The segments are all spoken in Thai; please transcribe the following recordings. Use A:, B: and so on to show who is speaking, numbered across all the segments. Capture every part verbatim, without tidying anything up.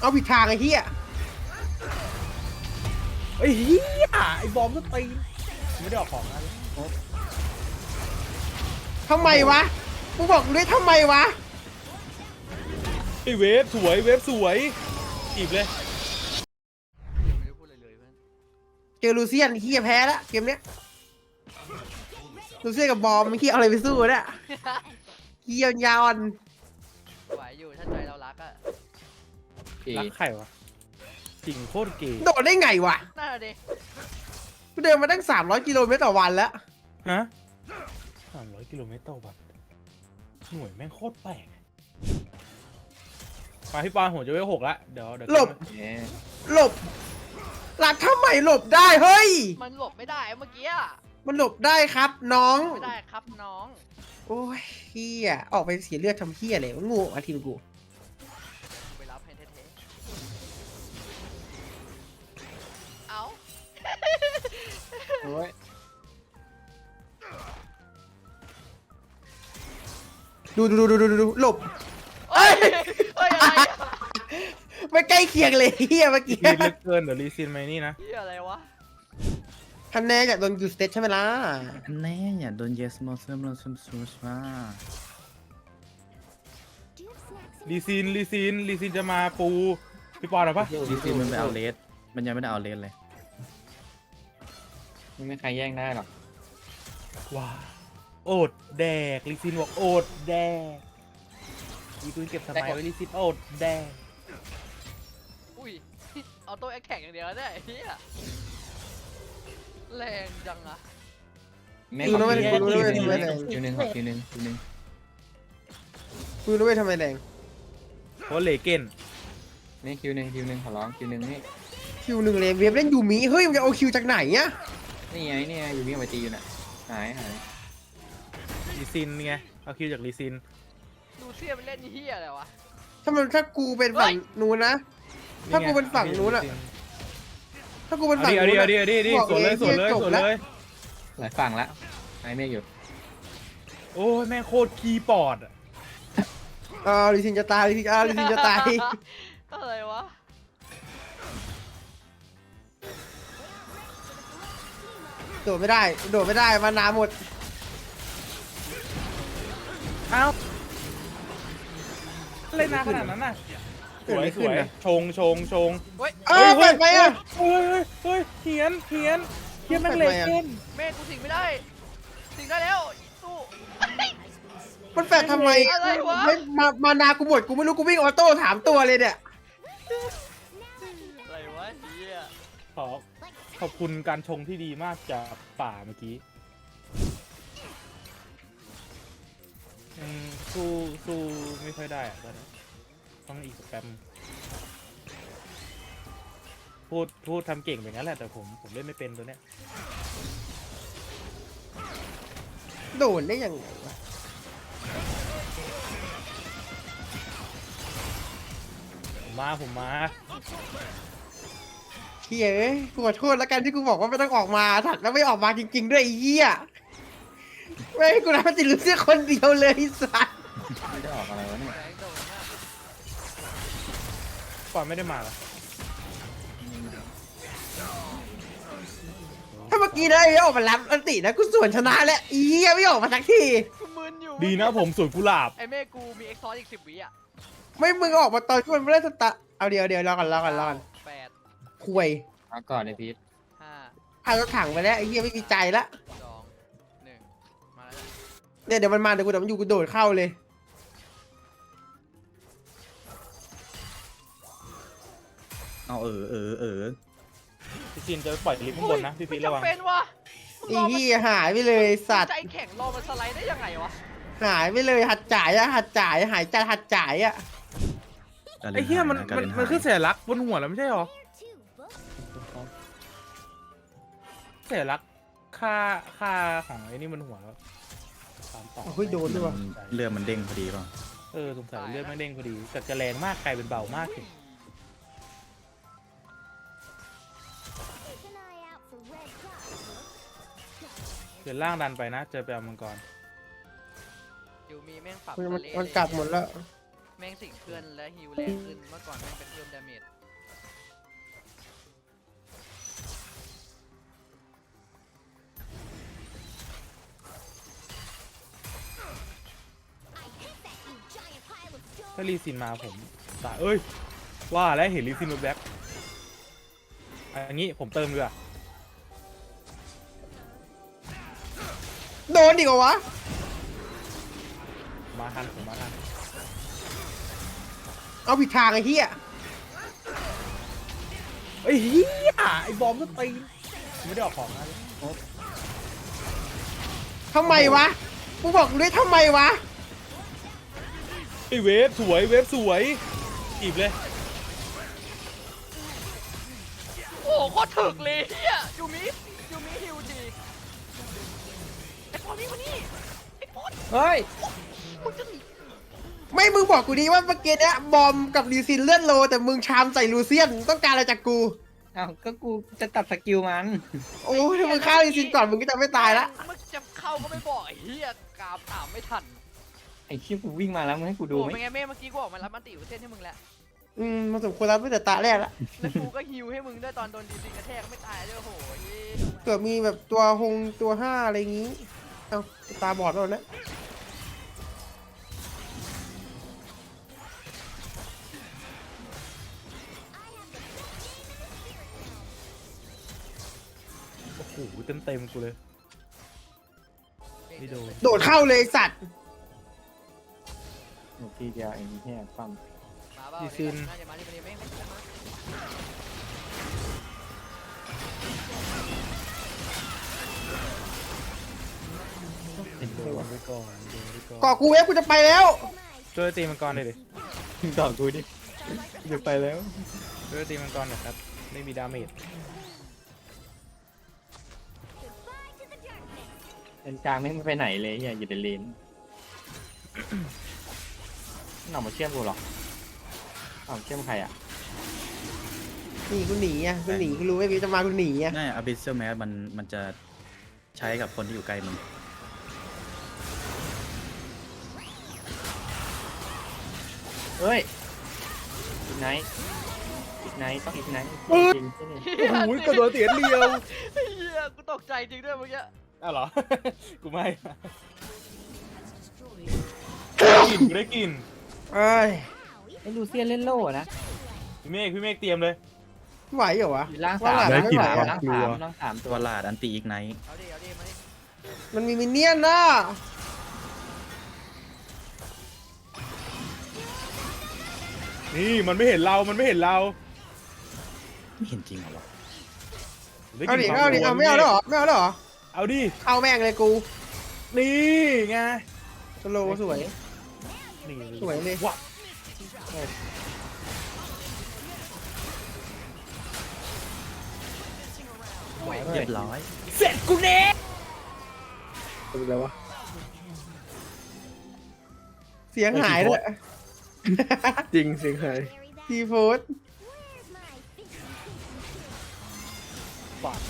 A: เอาผิดทางไอ้เหี้ย
B: ไอ้เหี้ยไอ้บอมก็ตีไม่ได้ออกของนะ
A: ทำไมวะกูบอกด้วยทำไมวะ
B: ไอ้เวฟสวยเวฟสวยจีบเลย
C: ไม่ได้พูดอะไรเลยเพื่อน
A: เจอลูเซียนเหี้ยแพ้ละเกมเนี้ยลูเซียนกับบอมไม่คิดเอาอะไรไปสู้เนี่ยเหี้ยยาวอ่อน
C: ไหวอยู่ถ้าใจเรารักอะ
B: รักใครวะจริงโคตรเก๋
A: โดดได้ไงวะ
C: น่าดิ
A: กูเดินมาตั้งสามร้อยกิโลเมตรต่อวันแล้ว
B: ฮะสามร้อยกิโลเมตรต่อวันหน่วยแม่งโคตรแปลกมาพี่ปอนผมจะเวลหกละเดี๋ยวเดี๋ยว
A: หลบหลบหลักทำไมหลบได้เฮ้ย
C: มันหลบไม่ได้เมื่อกี้อะ
A: มันหลบได้ครับน้อง
C: ไม่ได้ครับน้อง
A: โอ้ยเฮียออกไปเสียเลือดทำเฮียอะไรวะงูมาทีมกู
C: ไปรับให้เท่ๆเอา
D: โอ้ย
A: ดูดูดูดูดูดูหลบ
C: เอ้ยเอ้ยอะไรอะ
A: ไม่ใกล้เคียงเลยเฮียเมื่อกี้
B: รีดเหลือเกินเดี๋ยวรีซินไหมนี่นะ
C: เหี้ยอะไรวะ
A: ทันแน่จากโดนยูสเตทใช่ไหมล่ะ
D: แน่อย่าโดนเยสมอสเซมเราซุมซูสมา
B: รีซินรีซินรีซินจะมาปูพี่ปอนเอาปะ
D: ดีซีมันไปเอาเลสมันยังไม่ได้เอาเลสเลยไม่มีใครแย่งได้หรอก
B: ว้าโอดแดกรีซินบอกโอดแดกอีกูเก็บสมัยไว้รีซินโอดแดก
C: อุ้ยเอาตัวแอคแข่งอย่างเดียวได้ไอ้เหี้ยแรงจังอะ
D: ไม่
A: ดูนะเว้ยดูนะเว้ยทำไมแรง
D: คิวหนึ่งขอคิวหนึ่งคิวหนึ่ง
A: ดูนะเว้ยทำไมแรง
B: เพราะเลเกน
D: นี่คิวหนึ่งคิวหนึ่งขอร้องคิวหนึ่งนี่
A: คิวหนึ่งเลยเวฟเล่นยูมิเฮ้ยมันจะเอาคิวจากไหนเนี่ย
D: นี่ไงนี่ไงอยู่วิ่งไปตีอยู่น่ะหายหาย
B: รีซินไงเอาคิวจากรีซิน
C: ดูเสียมันเล่นเหี้ยอะไรวะ
A: ถ้ามันถ้ากูเป็นฝั่งนู้นนะ ถ้ากูเป็นฝั่งนู้นอะ ถ้ากูเป็น
B: เอา
A: ฝั่ง
B: ดิเอาดิ
A: นู้น
B: เอา
A: อะ
B: ดิเอาดิเอาดิ
A: บอก
B: สวนเลย
A: เลย
B: สวนเลย
A: จบ
B: สวน
A: แล้ว
B: เลย
D: หลายฝั่งละหายเมฆอยู่
B: โอ้ยแม่งโคตรคีย์บอร์ดอะ
A: อ่าลิซินจะตายลิซินอ่าลิซินจะตาย
C: อะไรวะ
A: โดดไม่ได้โดดไม่ได้มานาหมด
B: เอ้าเล่นนานขนาดนั้นน่ะสวยสวยชงชงชง
C: เฮ้ย
A: เออเปิดไปอ่ะ
B: เฮ้ยเฮ้ยเฮ้ยเขียนเขียนเขียนแม่งเลเกน
C: เมฆกูสิงไม่ได้สิงได้แล้วสู้
A: มันแฟดทำไม
C: อะไรวะ
A: ไม่มามานากูหมดกูไม่รู้กูวิ่งออโต้ถามตัวเลยเนี่ย
C: อะไรวะเหี้ย
B: ขอขอบคุณการชงที่ดีมากจากป่าเมื่อกี้อืมสู้สู้ไม่ค่อยได้อะตอนนี้ต้องอีกสักแป๊บพูดพูดทำเก่งแบบนั้นแหละแต่ผมผมเล่นไม่เป็นตัวเนี้ย
A: โดนได้ยังไงวะ
B: ผมมาผมมา
A: เฮียเอ้ยกูขอโทษแล้วกันที่กูบอกว่าไม่ต้องออกมาถักแล้วไม่ออกมาจริงๆด้วยไอ้เหี้ยไม่ให้กูรับมันติดลูเซียคนเดียวเลยไอ้สัส
D: ไม่ได้ออกอะไรวะเนี่ย
C: แรงโดนมาก
B: ก่อนไม่ได้มาเหรอ
A: ถ้าเมื่อกี้ได้ไม่ออกมารับอันตินะกูสวนชนะแล้วไอ้เหี้ยไม่ออกมาสักที
C: กูมึนอยู่
B: ดีนะผมสวนกุหลาบ
C: ไอเมฆกูมีเอ็กซ์ซอสอีกสิบวิอ่ะ
A: ไม่มึงออกมาตอนที่มันไม่ได้สตาร์ทเอาเดี๋ยวเดี๋ยวรอก่อนรอก่อนรอก่อน
C: แปด
A: คุย
D: เอาก่อนเลยพีท
C: ห้า
A: พารถถังไปแล้วไอ้เหี้ยไม่มีใจละ
C: สองหนึ่งมาแล้ว
A: เนี่ยเดี๋ยวมันมาเดี๋ยวกูเดี๋ยวมันอยู่กูโดดเข้าเลย
D: เอาเออเออเออ
B: พี่จินจะปล่อยลิฟต์ข้างบนนะพี่พี
C: ไม่
B: ระวัง
C: จำเป็นวะ
A: ไอ้เหี้ยหายไปเลยสัตว์
C: ใจแข็งรอมันสไลด์ได้ยังไงวะ
A: หายไปเลยหัดจ่ายอะหัดจ่ายหายใจหัดจ่ายอะ
B: ไอ้เหี้ยมันมันมันคือเสียลักษณ์บนหัวแล้วไม่ใช่หรอเสียลักษณ์ค่าค่าของไอ้นี่บนหัวแล้วตามต่อ
A: เฮ้ยโดนด้วยวะ
D: เรือมันเด้งพอดีป่ะ
B: เออสงสัยเลือดไม่เด้งพอดีแต่จะแรงมากกลายเป็นเบามากสิเดี๋ยวล่างดันไปนะเจอไปเอามังกร
C: อยู่มีแม่งปรับ
A: มัน
C: ทะเล
A: มันกลับหมดแล้ว
C: แม่งสิ่งเพื่อนและฮิวแรงขึ้นเมื่อก่อนแม่งเป็นเพิ่มดาเมจ
B: ถ้าลีซินมาผมตายเอ้ยว่าแล้วเห็นลีซินแบ็คอันนี้ผมเติมดีกว่า
A: โดนดิกวะ
B: มาทันผมมาทัน
A: เอาผิดทางไอ้เหี้ย
B: ไอ้เหี้ยไอ้บอมก็ตีนไม่ได้ออกของนะ
A: ทำไมวะกูบอกเลยทำไมวะ
B: ไอ้เวฟสวยเวฟสวยจีบเลย
C: โอ้โหโคตรถึกเลยเฮียยูมิยูมิฮิวดีไอ้พอนี่มานี่ไอ้พอด
D: เฮ้ย
C: มึงจะหนี
A: ไม่มึงบอกกูดีว่าเมื่อกี้เนี้ยบอมกับลีซินเลื่อนโลแต่มึงชามใส่ลูเซียนต้องการอะไรจากกู
D: อ้าวก็กูจะตัดสกิลมัน
A: โอ้ยถ้ามึงฆ่าลีซินก่อนมึงก็จะไม่ตายละ
C: มึงจะเข้าก็ไม่บอกไอ้เฮียกราบถามไม่ทัน
D: ไอ้คิวกูวิ่งมาแล้วมึงให้กูดู
C: โอ้
D: ไหม
C: เป็นไงเม่เมื่อกี้กูออกมารับมันติวเส้นให้มึงแล้ว
A: อืมมันสมควรรับตั้งแต่ตาแรกละ
C: แล้วกูก็ฮิวให้มึงด้วยตอนโดนดีซิงกระแทกไม่ตายด้วยโอ้โหเหี้ย
A: เกิดมีแบบตัวหงตัวห้าอะไรอย่างงี้เอ้าตาบอดแล้วนะ
B: โอ้โหเต็มเต็มๆกูเลยไม่โดน
A: โดดเข้าเลยไอ้สัตว์
D: ทีเดียวเองแค่ปั๊ม
C: มาเปล่าเดี๋ยวน่าจะมาดิมาดิไม่ไม่ไม่มา
B: โดนไปก่อนโดนไปก่อน
A: ก่อกูเวฟกูจะไปแล้ว
B: ช่วยตีมังกรหน่อยดิ
D: ต่อกูดิจะไปแล้ว
B: ช่วยตีมังกรหน่อยครับไม่มีดาเมจ
E: เลนกลางไม่ไปไหนเลยอย่าอยู่ในเลน หน่อมาเชื่อมกูหรอหน่อมาเชื่อมใครอ่ะ
A: หนีกูหนีอ่ะกูหนีกูรู้ว่ากูจะมากูหนีอ่ะ
D: น่าอ Abyssal Mask มันมันจะใช้กับคนที่อยู่ไกลมึง
E: เฮ้ยอีกไนท์อีกไนท์ต้องอีกไนท์จริงใช่ไหม
B: โอ้ยกระโดดเสียเดียว
C: เฮียกูตกใจจริงด้วยเมื่อกี้
B: อ้าวเหรอ กูไม่ได้กินกูได้กิน
A: เอ้ย
E: ไอ้ลูเซียนเล่นโล่นะ
B: พี่เมฆพี่เมฆเตรียมเลย
A: ไหวเหรอวะ
E: อยู่ล่าง
A: ว่า
E: สาม
A: หลานไม่ไหว
E: ล่าง
A: อะ
E: สามล่างสามตั
D: ตัว วลาดอันตีอีกไนท์
C: เอาดิเอาดิมาดิ
A: มันมีมินเนี่ยนนะ
B: นี่มันไม่เห็นเรา มันไม่เห็นเรา
D: ไม่เห็นจริงเหรอวะ
A: เอาดิเอาดิเอาไม่เอาแล้วเหรอไม่เอาแล้วเหรอ
B: เอาดิ
A: เอาแม่งเลยกู
B: นี่ไง
A: สโลว์สวย
B: นี่
A: สวยเลย
B: ว้า
D: เรียบร้อย
B: เสร็จกูเน่
A: เสียงหายเลย
F: จริงเสียงหาย
A: ทีโฟูด
B: ปาก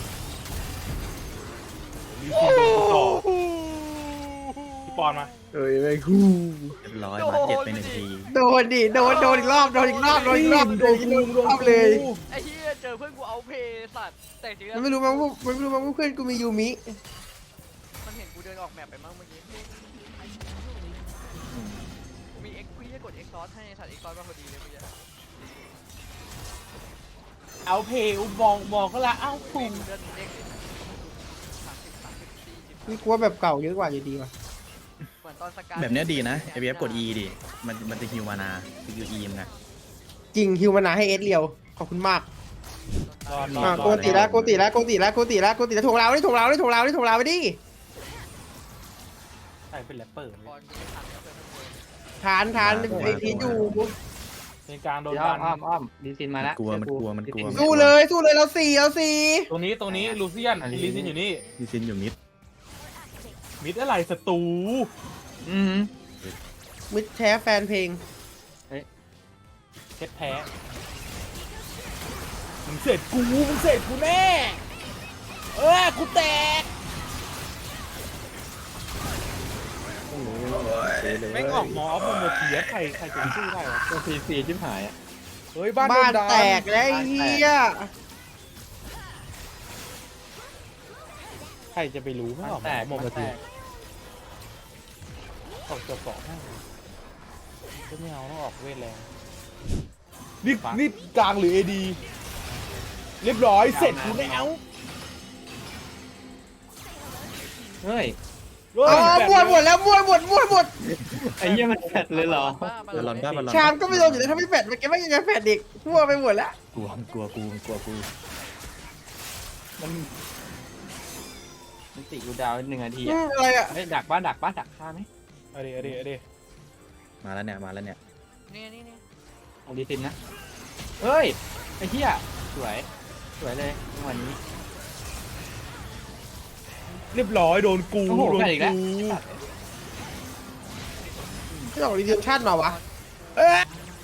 B: มีคนโดนกูต่อพี่ปอนมา
F: เอ้ยแม่งฮู้
D: เรียบร้อยมาเจ็บไปหนึ่งที
A: โดนดิโดนโดนอีกรอบโดนอีกรอบโดนอีกรอบโดนอีกรอบเลย
C: ไอ้เฮียเจอเพื่อนกูเอาเพย์สัตว์แต่จริงๆแล้
A: มั
C: วน
A: ไม่รู้มั้งว่ามันไม่รู้มั้งว่าเพื่อนกูมียูมิ
C: มันเห็นกูเดินออกแมปไปมั้งเมื่อกี้กูมีเอ็กซ์กูจะกดเอ็กซ์ซอสให้สัตว์เอ็กซ์ซอสมาพอดีเลยเมื่อกี้
B: เอาเพลบอกบอกก็ละเอ้า
C: กู
B: ปุ่ม
C: เดินเด้งเลยสามสิบสามสิบสี่สิบ
A: นี่กลัวแบบเก่าเยอะกว่าอยู่ดีว่ะ
C: เหมือนตอนสกาย
D: แบบเนี้ยดีนะ เอ บี เอฟ กด E ดิ มันมันจะฮิวมานาสกิล E มันนะ
A: จริงฮิวมานาให้เอสเรียวขอบคุณมาก
B: รอดรอ
A: อ่า
B: ด
A: โกติแล้วโกติแล้วโกติแล้วโกติแล้วโกติแล้วถ่วงเราดิถ่วงเราดิถ่วงเราดิถ่วงเราไปดิ
B: ใช่เป็นแรปเปอร์
C: บอลกูไม่ทันแล้วเพื่อนเพื่อน
A: ทานทานไอ้พีทอยู่
B: เป็นกลางโดน
E: เดี๋ยว
B: ดั
E: อ้อน มอ้อมดีซินมาแล้ว
D: กลัวมันกลัวมันกลัว
A: สู้เลยสู้เลยเราสี่เราสี่
B: ตรงนี้ตรงนี้ลูเซียนลีซินอยู่นี่
D: ดิซินอยู่มิด
B: มิดอะไรศัตรู
E: อืม
A: มิดแท้แฟนเพลง
B: เพชรแพ้มึงเสร็จกูมึงเสร็จกูแน่เออกูแตก
F: โอ้โห
B: แม่งออกมออฟโมโมเทียใครใครจะสู้ได้วะ
E: ตัวพีซีชิบหายอ่ะ
B: เฮ้ยบ้านโด
A: บ้าน
B: นดัน
A: แตกแล้วไอ้เหี้ย
B: ใครจะไปรู้ไม่ออก
E: แต
B: มาก โมโม
E: แต
B: เทีย
E: ก
B: ออกตัวเกาะให้ก็ไม่เอาต้องออกเวทแรงนี่นี่กลางหรือเอดีเรียบร้อยเสร็จกูแล้ว
E: เฮ้ย
B: เฮ้ย
A: อ๋อ
B: แบบ
A: มั่วหมดแล้วมั่วหมดมั่วหมด
E: ไอ้เหี้ยมันแฟดเลยเหรอ
D: เออรอนบ้าบอลลอน
A: ชามก็ไม่โดนอยู่แล้วถ้าไม่แฟดมันแกไม่ยังไงแฟดอีกมั่วไปหมดแล้ว
D: กลัวกลัวกูกลัวกู
E: มันมันติกูดาวหนึ่งนาที
A: อื
E: อ่ะ
A: มอะไรอ่ะ
E: เฮ้ยดักบ้านดักบ้านดักฆ่าไหม
B: เอาดิเอาดิเอาดิ
D: มาแล้วเนี่ยมาแล้วเนี่ย
C: นี่นี่นี่
E: เอาดีซินนะเฮ้ยไอ้เหี้ยสวยสวยเลยจังหวะนี้
B: เรียบร้อยโดนกู
E: โอ้โห
B: โดน
E: แฟดอีกแล้ว
B: กู
A: ที่ออกรีเดมชั่นมาวะ
B: เอ๊ะ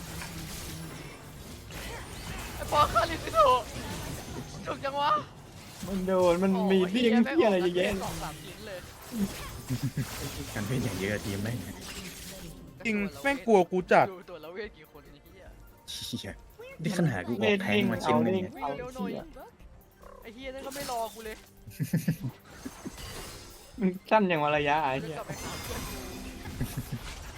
C: ไอ้ปอคาลิซิโตถูกจังวะ
E: มันโดนมันมีเรื่องเหี้ยอะไรเยอะแยะ
C: สองสามชิ้นเลย
D: กันเป็นอย่างเยอะทีมแม่ง
B: จริงแม่งกลัวกูจัด
C: ดูตัวละเวทกี่คนไอ้เหี้ย
D: เชี่ยนี่ขนาดกูออกแทงมาชิ้นหนึงเนี่ย
C: วิ่งเร็วหน่อยไอ้เหี้ยนั่นก็ไม่รอกูเลย
E: มันสั้นอย่างวะระยะไอ้
C: จะ
E: เหี้ย
C: กลับไปหาเพื่อนกู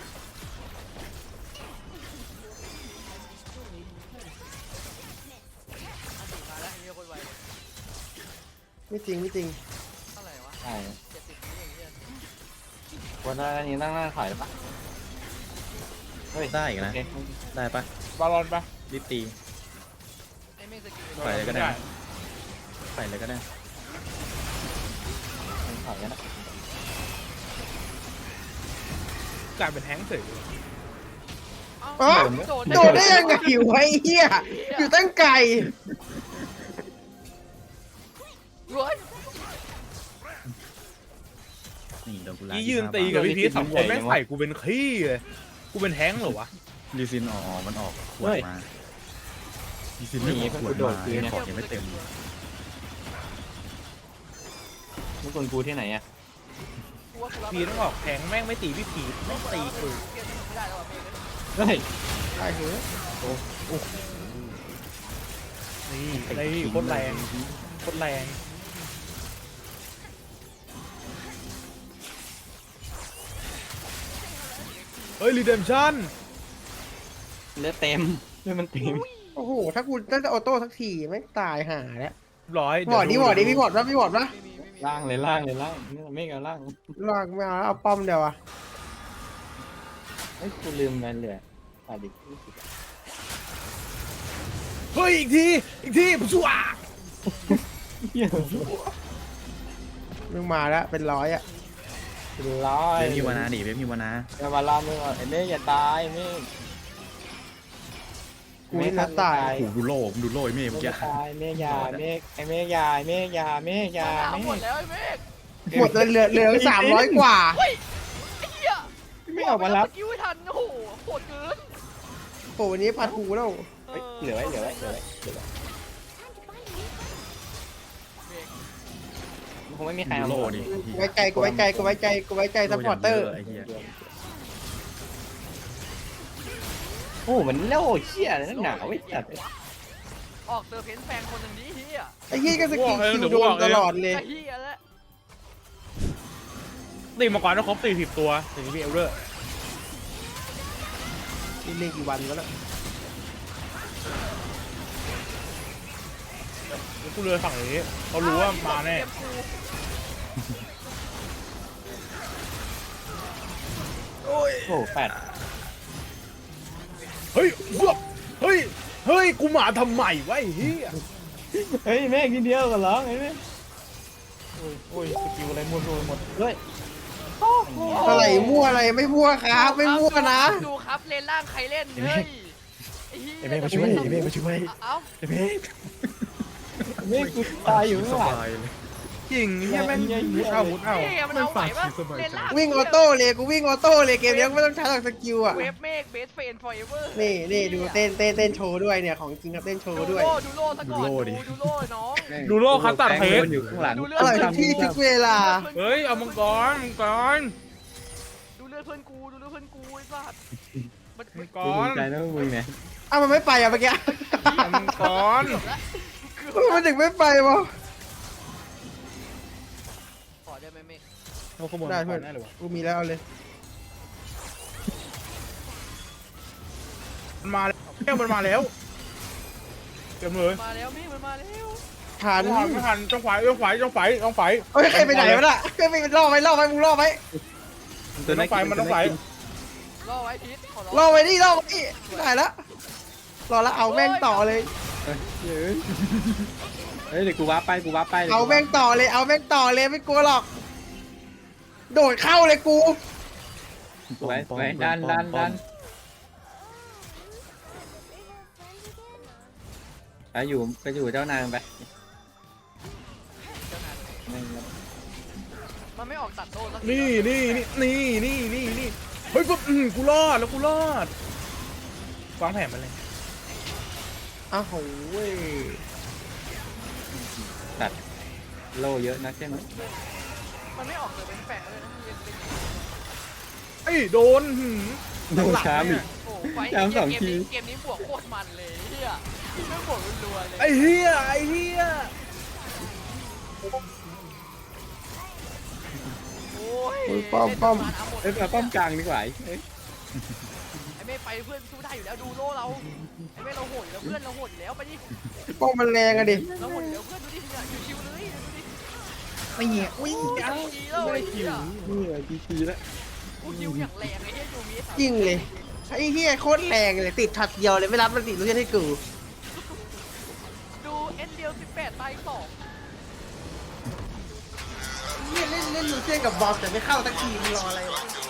C: อันติมาแล้วไอ้เหี้ยโคตรไวเลย
A: ไม่จริงไม่จริง
C: เท่าไหร่วะ
E: ใช่
C: เจ็ดสิบวิเองเหี้ย
E: วันนี้ตั้งหน้าถอยแล้วปะเฮ้ย
D: ได้อีกนะ
E: โอเค
D: ได้ปะ
B: บอลลอนปะ
D: รีบตี
C: ไอ้แม่งสกิล
D: ไปเลยก็ได้ ไปเลยก็ได้
E: ถอยกันนะ
B: กลายเป็นแฮงค์เฉย
C: เอ้า
A: อ๋อ
C: โดน
A: โดนได้ยังไงวะไอ้เหี้ยอยู่ตั้งไกล
C: เฮ้ย
D: นี่โดนกูลา
B: ยี่ยืนตีกับพี่พีทสองคนแม่งใส่กูเป็นขี้เลยกูเป็นแฮงค์เหรอวะ
D: ลีซินออกมันออกขวดมาลีซินไม่ออกขวดมาของยังไม่เต็ม
E: มึงคนกูที่ไหนอ่ะ
C: กูว่ากูรับ
B: พีทต้องออกแฮงค์แม่งไม่ตีพี่พีทแม่งตีกู
C: เปลี่ยนไม่ได้แล้วอ่ะเมย์
E: เฮ้ย
A: ไอ้เหี้ย
B: นี่นี่โคตรแรงโคตรแรงเฮ้ยรีเดมชั่น
E: เลือดเต็มเลือดมันเต็ม
A: โอ้โหถ้ากูได้ออโต้สักทีไม่ตายห่าแล้ว
B: ร้อย
A: บอดดิบอดดิพี่บอดนะพี่บอดนะ
C: ไม่มีไม่มี
E: ล่างเลยล่างเลยล่างนี่ไม่เอาล่าง
A: ลากไม่เอาเอาป้อมเดียวอะ
E: เฮ้ยกูลืมไปเลยอ่ะดิ
B: เฮ้ยอีกทีอีกทีชัว
E: เหี้ย
A: มึงมาแล้วเป็นร้อยอะ
E: เป็นร้อย
D: เว็บมีวานาดิเว็บมีวานา
E: อย่ามาล่ามึงอ่ะไอ้เมฆอย่าตายเมฆ
A: กูนี่นะตาย
D: โอ้โหดูโล่ผมดูโล่ไอ้เมฆ
E: เม
D: เมื่อ
E: ฆ
D: กี้
E: ตายเมฆยาเมฆไอ้เมฆยาเมฆยาเมฆยา
C: หา
E: เม
C: หมด
E: ฆ
C: แล้วไอ้เมฆ
A: หมดเลยเหลือเหลือสามร้อยกว่า
C: เฮ้ยไอ้เหี้ย
E: ไม่ออกมารับ
C: สกิลไม่ทันโอ้โหโหดเกิน
A: โหวันนี้พัดหูแล้ว
E: เฮ้ยเหลือไว้เหลือไว้เหลือไว้เหลือไว้มันคงไม่มีใคร
D: ดู
E: เอา
D: โล่ดิ
A: กูไว้ใจกูไว้ใจกูไว้ใจกูไว้ใจซัพพอร์เตอร์
D: ไอ้เหี้ย
E: โอ้โหมันโล่เชี่ยเลยนักหนาไว้จัด
C: ออกเซอร์เพนแฟงคนหนึ่งนี้เฮีย
A: ไอ้เหี้ยก็สกิลคิวโดนตลอดเลย
C: ไอ้เฮียแล้ว
B: ตีมาก่อนต้องครบสี่สิบตัวถึงจะมีเอลเดอร์
A: นี่เล่นกี่วันแล้วล่ะ
B: กูเรือฝั่งนี้เขารู้ว่ามาแน่
E: โอ้โหแปด
B: เฮ้ยเฮ้ยเฮ้ยเฮ้ยกูมาทำไมวะไอ้เหี้ย
E: เฮ้ยเมฆนิดเดียวกันเหรอไอ้เมฆ
B: โอ้ยโอ้ยสกิลอะไรมั่วซั่วไปหมด
E: เฮ้ย
A: อะไรมั่วอะไรไม่มั่วครับไม่มั่วนะ
C: ดูครับเลนล่างใครเล่นเฮ้ยไอ้เฮีย
D: ไอ้เมฆมาช่วยไอ้เมฆมาช่วย
C: เอ้า
D: ไอ้เมฆ
E: เมฆกูตายอยู่
D: ส
E: ข้างหลัง
D: บายเลย
B: จริงเหี้ยแม่งมุดเอามุดเอา
C: เฮ้ยมันเอาไหวปะเลนล่าง
A: วิ่งออโต้เลยกูวิ่งออโต้เลยเกมนี้ไม่ต้องใช้หรอกสกิลอะ
C: เวฟเมกเบสเฟนฟอร์เอเวอร์
A: นี่นี่ดูเต้นเต้นเต้นโชว์ด้วยเนี่ยของจริงครับเต้นโช
C: ดู
A: ว์ด้วย
C: โล่ดูโล่ซะก่อนดูดูโล่น้อง
B: ดูโลกคัสตัดเค้ก
E: อยู่ข้างหลัง
C: ดูเลื
A: อร่อยทุกที่ทุกเวลา
B: เฮ้ยเอามังกรมังกร
C: ดูเลืลือดเพื่อนกูดูเลือดเพื่อนกูไอ้สัตว์มันมัน
B: ก่อ
E: ภู
B: น
E: มิใจนะมึงเนี่ย
A: อ้าวมันไม่ไปอ่ะเมื่อกี้
B: มังก่อน
C: เกือบแล้ว
A: มันถึงไม่ไปวะ
C: ขอได้ไหมเมฆ
B: เราขโมย
A: ได้
B: มังก
A: เพื่อ
B: ร
A: น
B: ได้เลยวะ
A: กูมีแล้วเอาเลย
B: มันมาแล้วแก้วมันมาแล้วเต็มเลย
C: มาแล้วเมฆมันมาแล้ว
A: ทัน
B: ไม่ทันไม่ทันต้องไฟต้องไฟต้องไฟต้องไฟ
A: เฮ้ยใครไปไหนวะน่ะใครไปล่อไว้ล่อไว้มึงล่อไว้
B: มันต้องไฟมันต้องไฟ
C: รอไว้พีทขอร้อง
A: ล่อไว้นี่ล่อไว้นี่ได้แล้วรอแล้วเอาแม่งต่อเลย
E: เฮ้ยเฮ้ยเฮ้ยเดี๋ยวกูว้าไปกูว้าไป
A: เอาแม่งต่อเลยเอาแม่งต่อเลยไม่กลัวหรอก โดดเข้าเลยกู
E: ไว้ไว้ดันดันดันไปอยู่ไปอยู่เจ้านายมันไป
C: มันไม่ออกตัดโต้สักที
B: นี่นี่นี่นี่นี่นี่นี่เฮ้ยกูอืมกูรอดแล้วกูรอดวางแผนมาเลย
A: อ้าวโหเว้ย
E: ตัดโล่เยอะนะใช่ไหม
C: มันไม่ออกเลยเป็นแปะเลยนะมันยังเป็น
B: ไอ้ยโดนหืม
E: โดนช้าอีก
C: โอ้โหไฟ
E: ย้ำสอง
C: เกม
E: ที
C: นี้เกมนี้บวกโคตรมันเลยเฮียไม่บวกรัวๆเลย
B: ไอ้เหี้ยไอ้เหี้ย
C: โอ้ย
A: โอ้ยป้อมป้อม
E: เอ้ยมาป้อมกลางดีกว่าเอ้ย
C: ไอ้เมฆไปเพื่อนสู้ได้อยู่แล้วดูโล่เราไอ้เมฆเราโหดอยู่แล้วเพื่อนเราโหดอยู่แล้วไปดิ
A: ป้อมมันแรงอะดิ
C: เราโหดอยู่แล้วเพื่อนดูดิเนี่ยชิวๆเลยดูดิ
A: ไม่เหี้ยอุ้ย
C: เอาดีแล้วไอ้เหี้ย
E: นี่ไงจีจีแล้ว
C: กูยิวอย่างแรงไอ้เหี้ยยูมิ
A: จริงเลยไอ้เหี้ยโคตรแรงเลยติดช็อตเดียวเลยไม่รับมันติดลูกเล่นให้กู
C: ดูเอ็นเดียวสิบแปดตายสอง
A: เหี้ยเล่นเล่นลูเซียนกับบอลแต่ไม่เข้าสักทีมึงรออะไรวะ